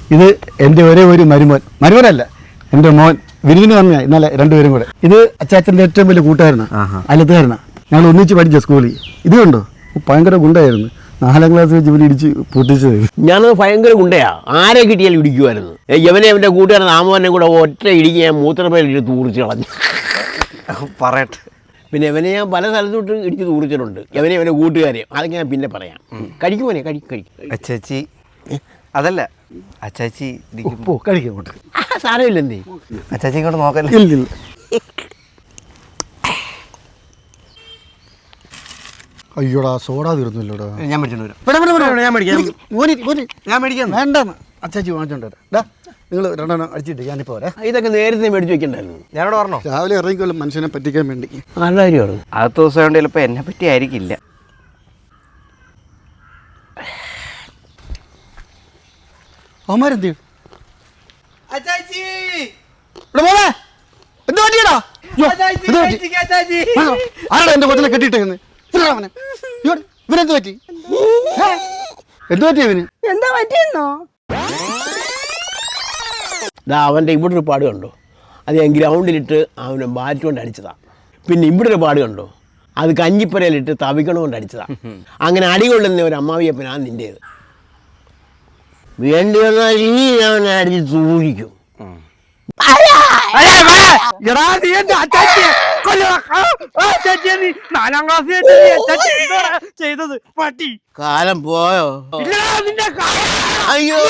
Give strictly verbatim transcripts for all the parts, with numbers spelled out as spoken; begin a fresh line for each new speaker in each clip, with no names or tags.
ഇത് എൻ്റെ ഒരേ ഒരു മരുമോൻ, മരുമോനല്ല എൻ്റെ മോൻ വിരുവിന് വന്നയാ ഇന്നലെ രണ്ടുപേരും കൂടെ. ഇത് അച്ചാച്ചൻ്റെ ഏറ്റവും വലിയ കൂട്ടുകാരനാണ്, അയലത്തുകാരനാണ്. ഞങ്ങൾ ഒന്നിച്ച് പഠിച്ച സ്കൂളിൽ. ഇത് കണ്ടോ, ഭയങ്കര ഗുണ്ടായിരുന്നു. നാലാം ക്ലാസ് വെച്ച് ഇവിടെ ഇടിച്ച് പൊട്ടിച്ചത്.
ഞാനത് ഭയങ്കര ഗുണ്ടയാ, ആരെ കിട്ടിയാലും ഇടിക്കുമായിരുന്നു. യവനെ അവൻ്റെ കൂട്ടുകാരൻ നാമവനെ കൂടെ ഒറ്റ ഇടിക്ക് ഞാൻ മൂത്രപ്പേരിട്ട് തൂറിച്ച് കളഞ്ഞു.
പറയട്ടെ.
പിന്നെ ഇവനെ ഞാൻ പല സ്ഥലത്തോട്ട് ഇടിച്ച് തൂറിച്ചിട്ടുണ്ട്. യവനെ അവൻ്റെ കൂട്ടുകാരെ, അതൊക്കെ ഞാൻ പിന്നെ പറയാം. കഴിക്കുമോനെ കഴിക്കും കഴിക്കും.
അച്ചാച്ചി അതല്ല അച്ചാച്ചി
പോ കഴിക്കാൻ കൊണ്ട്
സാരമില്ല. എന്തേ
അച്ചാച്ചി ഇങ്ങോട്ട് നോക്കല്ലേ?
ഇല്ലില്ല. അയ്യോടാ സോഡ തീർന്നില്ലടാ.
ഞാൻ മേടിച്ചോണ്ട് ഞാൻ മേടിക്കാം ഞാൻ മേടിക്കാം
വേണ്ടെന്ന് അച്ചാച്ചി വാങ്ങിച്ചോണ്ട് വരാം. നിങ്ങൾ രണ്ടെണ്ണം അടിച്ചിട്ട് ഞാനിപ്പോൾ വരാം.
ഇതൊക്കെ നേരത്തെ മേടിച്ച് വെക്കണ്ടായിരുന്നു.
ഞാനോട് പറഞ്ഞോ
രാവിലെ ഇറങ്ങിക്കോളും മനുഷ്യനെ പറ്റിക്കാൻ വേണ്ടി.
നല്ല കാര്യമാണ്.
അടുത്ത ദിവസം കൊണ്ട് ചിലപ്പോൾ എന്നെ പറ്റി ആയിരിക്കില്ല.
അവന്മാരെന്ത് ആരാടാ എന്റെ കൊച്ചിനെ കെട്ടിയിട്ടേന്ന്? ഇവനെന്ത് പറ്റി? എന്ത് പറ്റി ഇവന്?
എന്താ പറ്റിയെന്നോ?
ഇതാ അവൻ്റെ ഇവിടെ ഒരു പാട് കണ്ടോ, അത് ഞാൻ ഗ്രൗണ്ടിലിട്ട് അവനെ ബാറ്റ് കൊണ്ട് അടിച്ചതാ. പിന്നെ ഇവിടെ ഒരു പാട് കണ്ടോ, അത് കഞ്ഞിപ്പരയിലിട്ട് തവിക്കണ കൊണ്ട് അടിച്ചതാ. അങ്ങനെ അടി കൊള്ളുന്ന ഒരു അമ്മാവിയപ്പനാണ് നിൻ്റേത്. വേണ്ടി വന്നാൽ ഇനി അവനെ അടിച്ച് സൂക്ഷിക്കും. കാലം പോയോ? അയ്യോ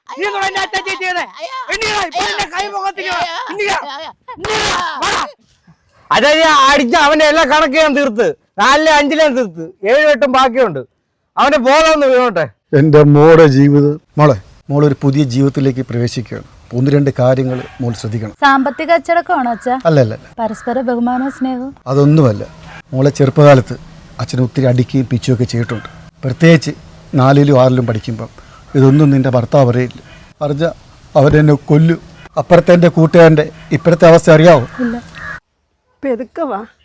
അതായത് അടിച്ച അവന്റെ എല്ലാ കണക്ക് ഞാൻ തീർത്ത്, നാലിലെ അഞ്ചിലെ തീർത്ത്, ഏഴും എട്ടും ബാക്കിയുണ്ട്. അവന്റെ ബോധം ഒന്ന് വീണോട്ടെ.
എൻ്റെ മോളുടെ ജീവിതം, മോളെ മോളൊരു പുതിയ ജീവിതത്തിലേക്ക് പ്രവേശിക്കുകയാണ്. ഒന്ന് രണ്ട് കാര്യങ്ങൾ മോൾ ശ്രദ്ധിക്കണം.
സാമ്പത്തിക അച്ചടക്കമാണോ അച്ഛാ?
അല്ല അല്ല അല്ല
പരസ്പര ബഹുമാനവും സ്നേഹവും
അതൊന്നുമല്ല. മോളെ ചെറുപ്പകാലത്ത് അച്ഛനെ ഒത്തിരി അടിക്കുകയും പിച്ചുകയൊക്കെ ചെയ്തിട്ടുണ്ട്. പ്രത്യേകിച്ച് നാലിലും ആറിലും പഠിക്കുമ്പം ഇതൊന്നും നിൻ്റെ ഭർത്താവ് അറിയില്ല. അറിഞ്ഞ അവരെന്നെ കൊല്ലും. അപ്പുറത്തെ എൻ്റെ കൂട്ടുകാരൻ്റെ ഇപ്പോഴത്തെ അവസ്ഥ അറിയാവോ?
ഇല്ല. പെതുക്കവാ